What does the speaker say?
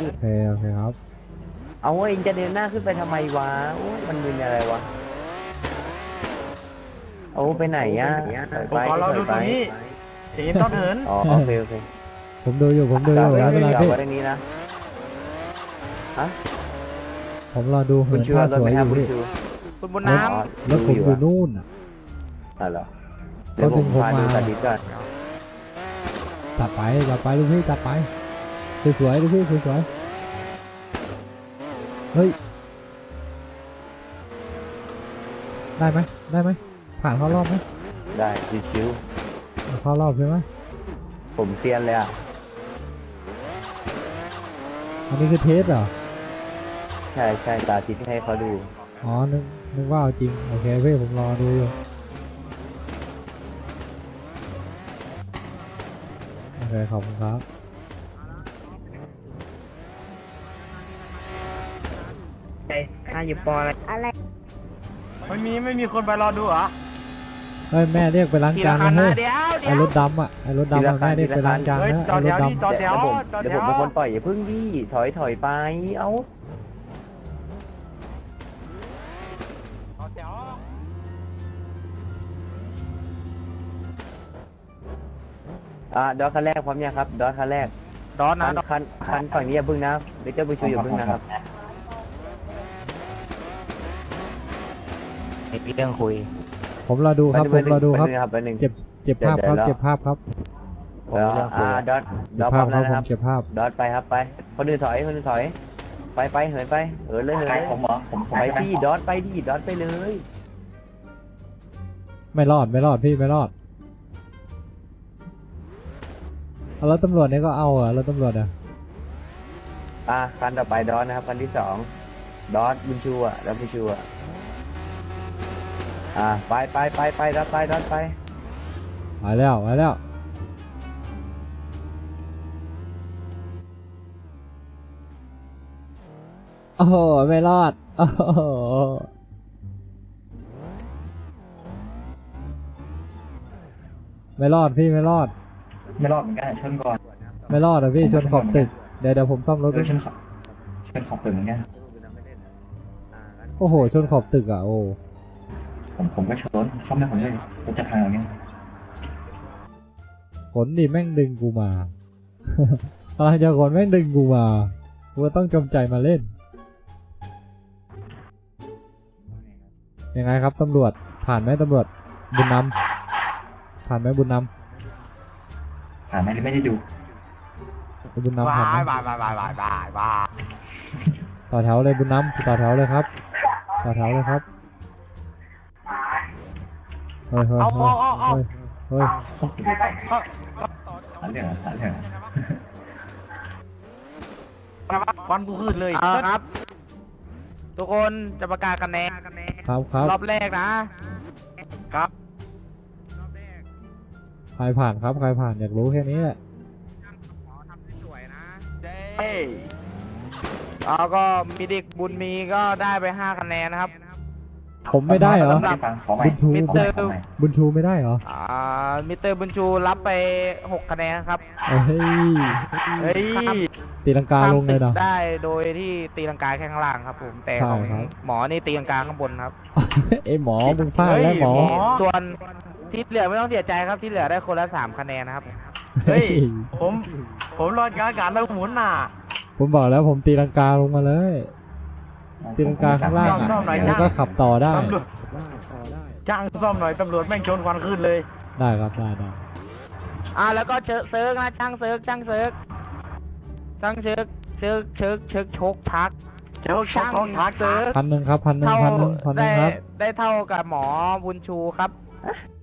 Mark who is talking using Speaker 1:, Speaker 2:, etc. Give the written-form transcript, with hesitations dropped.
Speaker 1: โอเคโอเคครับ
Speaker 2: เอาเองจะเดินหน้าขึ้นไปทำไมวะโอ้มันมึนอะไรวะเอาไปไหนอ่ะ
Speaker 3: ผมขอเราดูตรงนี้เห็นต้องเหิน
Speaker 2: อ๋อโอเคโอเค
Speaker 1: ผมดูอยู่ไม่เป็นไรพี่
Speaker 2: ไว้ตรงนี้นะฮะ
Speaker 1: ผมรอดูเหิ
Speaker 2: คุณ
Speaker 1: น
Speaker 2: ชู
Speaker 1: ท่าร
Speaker 2: ถ
Speaker 1: ส
Speaker 2: ไห
Speaker 1: ว
Speaker 2: ม
Speaker 1: ยอ
Speaker 2: ครับ
Speaker 1: ยู่
Speaker 2: คุณ
Speaker 1: พี่
Speaker 2: ชู
Speaker 3: คุณบนน้
Speaker 1: รถผมอยู่นู่นอ่ะ
Speaker 2: เหรอเดี๋ยวผมพาดูสาธิตก่อน
Speaker 1: จัดไปลูกพี่จัดไปสวยๆลูกพี่สวยๆเฮ้ยได้ไหมผ่านเข้ารอบไหม
Speaker 2: ได้ชิว
Speaker 1: เข้ารอบใช่ไหม
Speaker 2: ๆผมเซียนเลยอ่ะ
Speaker 1: อันนี้คือเทสเหรอ
Speaker 2: ใช่สาธิตให้เขาดู
Speaker 1: อ๋อนึกว่าเอาจริงโอเคพี่ผมรอดูอยู่โอเคขอบคุณครับ
Speaker 3: ำอยู่ปออะไรไม่มีคนไปรอดูเหรอ
Speaker 1: เฮ้ยแม่เรียกไปล้าง
Speaker 3: ที
Speaker 1: จา
Speaker 3: ละ
Speaker 1: น
Speaker 3: คัน
Speaker 1: นะ
Speaker 3: นะ
Speaker 1: เฮ้ย
Speaker 3: เดี๋ยว
Speaker 1: ไอ้รถดำอ่ะแม่เรียกไปล้างจาน
Speaker 3: เฮ้ย
Speaker 1: นะ
Speaker 3: จอ
Speaker 1: ไอ้
Speaker 3: ด
Speaker 1: รถ
Speaker 3: แถว
Speaker 1: ดำ
Speaker 3: จอดแถว
Speaker 2: เดี๋ยวผมเป็นคนปล่อยอย่าพึ่งดิถอยไปเอ้าดอทคันแรกพร้อมยังครับดอทคันแรก
Speaker 3: ดอนนะ
Speaker 2: คันฝั่งนี้อย่าพึ่งนะเดี๋ยวเจ้าบุญชูอย่าพึ่งนะครับมีเรื่องคุย
Speaker 1: ผมรอดูครับผมรอดูครับ
Speaker 2: แป๊บนึง
Speaker 1: เจ็บภาพครับเจ็บภาพครับ
Speaker 2: ดอท
Speaker 1: เจ็บ
Speaker 2: พ
Speaker 1: ภา
Speaker 2: ร้อ
Speaker 1: พ
Speaker 2: ม
Speaker 1: ครั
Speaker 2: แล้
Speaker 1: บ
Speaker 2: ว
Speaker 1: ผ
Speaker 2: นะค
Speaker 1: ม
Speaker 2: รับ
Speaker 1: เจ็บภาพ
Speaker 2: ดอทไปครับไปคนอื่นถอยไปเหินไปเลยผมเหรอผมไปพี่ดอทไปดิดอทไปเลย
Speaker 1: ไม่รอดพี่ไม่รอดเอาแล้วตำรวจนี่ก็เอาเหรอแล้วตำรวจอ่ะ
Speaker 2: คันต่อไปดอทนะครับคันที่สองดอทบุญชูแล้วบุญชูไปดอทไป
Speaker 1: มาแล้วโอ้โหไม่รอดโอ้โหไม่รอดพี่ไม่รอด
Speaker 4: ไม่รอดเหมือนกันชนก่อน
Speaker 1: ไม่รอดอ่ะพี่ชนขอบตึกเดี๋ยวผมซ่อมรถ
Speaker 4: ชนขอบตึกเหมือนกัน
Speaker 1: โอ้โหชนขอบตึกอ่ะโอ้
Speaker 4: ผมก็ชนซ่อมได้ผมเลยรถจะพังอย่างเงี้ย
Speaker 1: ขนดิแม่งดึงกูมา อะไรจะขนแม่งดึงกูมากูต้องจำใจมาเล่นยังไงครับตำรวจผ่านไหมตำรวจบุญนำผ่านไหมบุญนำ
Speaker 4: ผ่านไหมไม่ได้ดู
Speaker 1: บุญนำผ่านไหม
Speaker 3: บาย
Speaker 1: ต่อแถวเลยบุญนำต่อแถวเลยครับต่อแถวเลยครับเฮ้ย
Speaker 3: เอา
Speaker 1: ห
Speaker 4: าเรื่อง
Speaker 3: ควันกูขึ้นเลยครับ ทุกคนจะประกาศคะแนน
Speaker 1: ครับ
Speaker 3: รอบแรกนะครับ
Speaker 1: ใครผ่านครับใครผ่านอยากรู้แค่นี้แหละ
Speaker 3: แล้วก็มีเด็กบุญมีก็ได้ไป5คะแนนนะครับ
Speaker 1: ผมไม่ได้เหรอ
Speaker 4: ขอใหม่
Speaker 1: บุญชูไม่ได้เหรอ
Speaker 3: มิสเตอร์บุญชูรับไป6คะแนนครับ
Speaker 1: เฮ้ยตีลังกาลงเลยเนาะ
Speaker 3: ได้โดยที่ตีลังกาแค่ข้างล่างครับผมแต่ของหมอนี่ตีลังกาข้างบนครับ
Speaker 1: เอ้หมอมึงพลาดแล้วหมอ
Speaker 3: ส่วนที่เหลือไม่ต้องเสียใจครับที่เหลือได้คนละ3คะแนนนะครับ
Speaker 1: เฮ้ย
Speaker 3: ผมรอการแล้วหมุนน่ะ
Speaker 1: ผมบอกแล้วผมตีลังกาลงมาเลยตีลังกาข้างล่างแล้วก็ขับต่อได้
Speaker 3: จ้างซ่อมหน่อยตำรวจแม่งชนควันขึ้นเลย
Speaker 1: ได้ครับได้
Speaker 3: แล้วก็เซิร์กนะช่างเซิร์กโชกชัก
Speaker 1: 1,000ครับ1,000ครับ
Speaker 3: ได้เท่ากับหมอบุญชูครับ